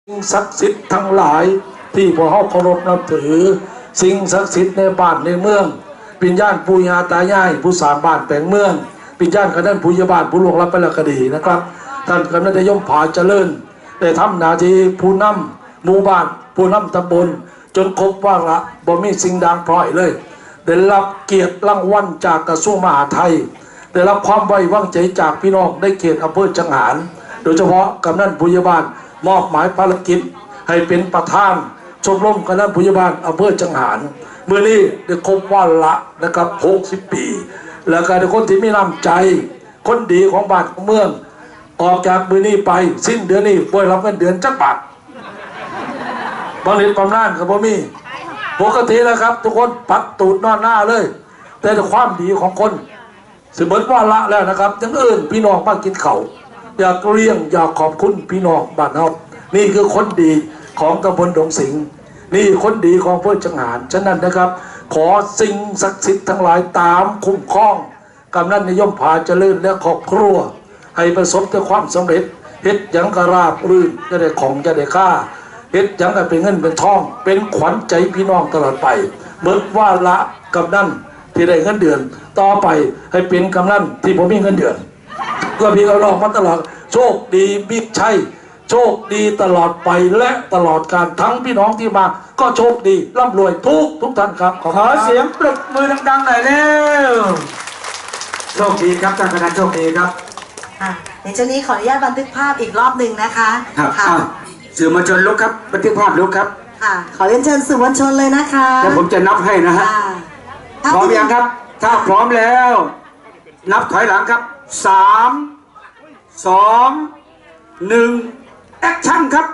สิ่งศักดิ์สิทธิ์ทั้งหลายที่พวกเราเคารพนับถือสิ่งศักดิ์สิทธิ์ในบ้านในเมืองปิญญาณปู่ย่าตายายผู้สร้างบ้านแปลงเมืองปิญญาณคณะผู้ยาบาลผู้ล่วงลับไปแล้วก็ดีนะครับท่านคณะยมผาเจริญได้ทำหน้าที่ผู้นำหมู่บ้านผู้นำตำบลจนครบวาระบ่มีสิ่งดังพร้อยเลยได้รับเกียรติรางวัลจากกระทรวงมหาดไทยได้รับความไว้วางใจจากพี่น้องในเขตอำเภอจังหารโดยเฉพาะกำนันผู้ยาบาลมอบหมายภารกิจให้เป็นประธานชมรมคณะผู้ใหญ่บ้านอำเภอจังหารเมื่อนี้ได้ครบวันละนะครับ60 ปีแล้วก็ได้คนที่มีน้ำใจคนดีของบ้านของเมืองออกจากมือนี้ไปสิ้นเดือนนี้บ่ได้รับเงินเดือนจักบาทบางเรียนบำนาญกับบ่มีปกติแล้วครับทุกคนปัดตูดนอนหน้าเลยแต่ความดีของคนสมมติว่าละแล้วนะครับยังอื่นพี่น้องมากินเขาอยากเลี้ยงอยากขอบคุณพี่น้องบ้านเรานี่คือคนดีของตำบลดงสิงห์นี่คนดีของเพื่อจังหารฉะนั้นนะครับขอสิ่งศักดิ์สิทธิ์ทั้งหลายตามคุ้มครองกำนันนิยมผาเจริญและครอบครัวให้ประสบแต่ความสำเร็จเฮ็ดหยังกระราบรื่นจะได้ของจะได้ค่าเฮ็ดหยังก็เป็นเงินเป็นทองเป็นขวัญใจพี่น้องตลอดไปเบิดว่าละกำนันที่ได้เงินเดือนต่อไปให้เป็นกำนันที่ผมมีเงินเดือนก็พี่เราลองมาตลอดโชคดีบิ๊กชัยโชคดีตลอดไปและตลอดการทั้งพี่น้องที่มาก็โชคดีร่ำรวยทุกท่านครับขอเสียงปรบมือดังๆหน่อยเร็วโชคดีครับท่านคณะโชคดีครับในช่วงนี้ขออนุญาตบันทึกภาพอีกรอบหนึ่งนะคะครับสื่อมวลชนลุกครับบันทึกภาพลุกครับค่ะขอเรียนเชิญสื่อมวลชนเลยนะคะแล้วผมจะนับให้นะฮะพร้อมยังครับถ้าพร้อมแล้วนับถอยหลังครับ3 2 1แอคชั่นครับ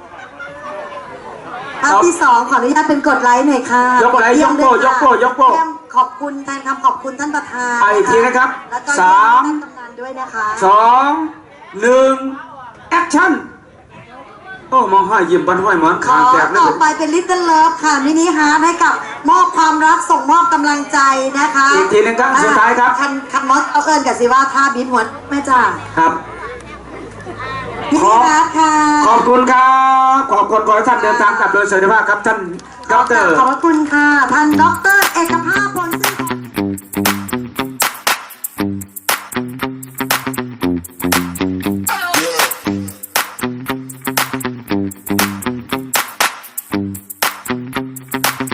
ภาพที่2ขออนุญาตเป็นกดไลค์หน่อยค่ะยกไลค์ยกโป้ขอบคุณแทนคำขอบคุณท่านประธานอีกทีนะครับแล้วก็ท่านกำนันด้วยนะคะ 2 1แอคชั่นโอ้มองห้อยยิ้มบันห้อยหมอนคางแตกเลยต่อไปเป็นลิตเติ้ลเลิฟค่ะมินิฮาร์ทให้กับมอบความรักส่งมอบกำลังใจนะคะอีกทีนึงครับสุดท้ายครับคันมอสเอาเอิญกับสิว่าท่าบีบหัวแม่จ้าครับมินิฮาร์ทค่ะขอบคุณครับขอบคุณขอให้ท่านเดินทางกลับโดยสวัสดิภาพครับท่านดร. ขอบคุณค่ะท่านดร.เอกภาพผล